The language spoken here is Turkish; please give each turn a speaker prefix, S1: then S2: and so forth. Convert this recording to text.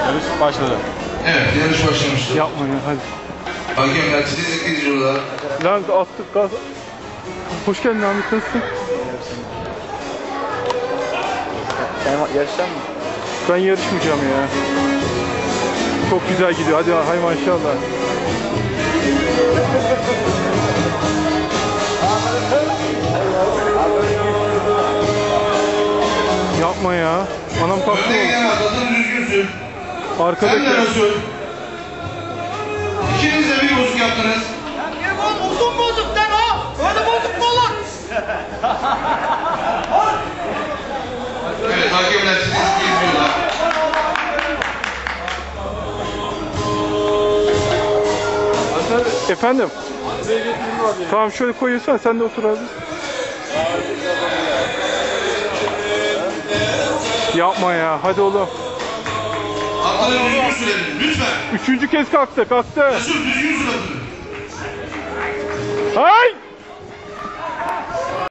S1: Yarış başladı.
S2: Evet, yarış başlamıştır.
S1: Yapma ya, hadi.
S2: Hakemler titizlikle izliyorlar.
S1: Lan attık gaz. Hoş geldin Ahmet, nasılsın?
S3: Sen yarışacak mısın?
S1: Ben yarışmayacağım ya. Çok güzel gidiyor. Hadi hay maşallah. Yapma ya. Anam
S2: Önde
S1: kalktı.
S2: giden atladın, düzgünsün.
S1: Arkadaki.
S2: Sen de nasıl? İkiniz de bir bozuk yaptınız.
S4: Uzun bozuk lan o. Öyle bozuk mu olur?
S2: Evet, hakemler titizlikle izliyorlar.
S1: Efendim? Tamam, şöyle koyuyorsan sen de otur abi. Yapma ya, hadi oğlum.
S2: Atları düzgün sürelim, lütfen.
S1: Üçüncü kez kalktı.
S2: Resul düzgün sür atını.